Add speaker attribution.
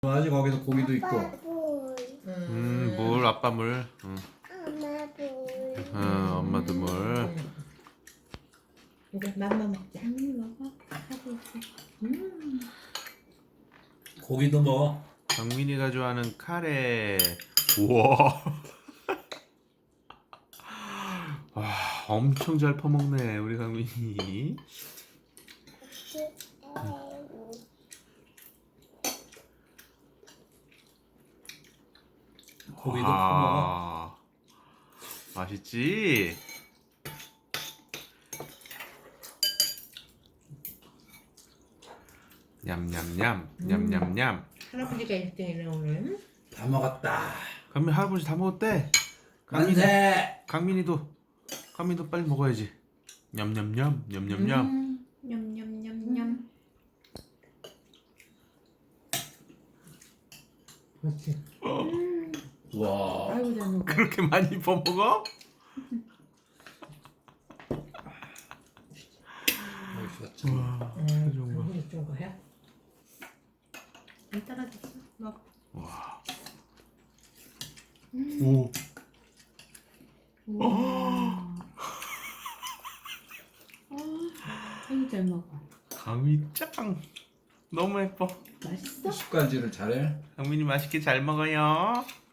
Speaker 1: 아직 거기서 고기도 있고.
Speaker 2: 물 아빠 물. 엄마도 물.
Speaker 3: 이제 맘마 먹자.
Speaker 4: 먹어. 하고 있어.
Speaker 1: 고기도 먹어.
Speaker 2: 강민이가 좋아하는 카레. 우와. 와, 엄청 잘 퍼먹네 우리 강민이.
Speaker 1: 고기도 퍼먹어.
Speaker 2: 맛있지? 냠냠냠 냠냠냠.
Speaker 3: 할아버지가 1등이네 오늘.
Speaker 1: 다 먹었다.
Speaker 2: 강민 할아버지 다 먹었대.
Speaker 1: 만세.
Speaker 2: 강민이도 빨리 먹어야지. 냠냠냠 냠냠냠.
Speaker 4: 냠냠냠냠.
Speaker 3: 그렇지.
Speaker 1: 와.
Speaker 3: 아이고 잘 먹어.
Speaker 2: 그렇게 많이 퍼먹어?
Speaker 1: 맛있었지.
Speaker 3: 이거 준 거야?
Speaker 4: 안 떨어졌어. 먹어.
Speaker 2: 와. 오.
Speaker 4: 아이고 잘 먹어.
Speaker 2: 강민 짱. 너무 예뻐.
Speaker 4: 맛있어?
Speaker 1: 습관질을 잘해.
Speaker 2: 강민이 맛있게 잘 먹어요.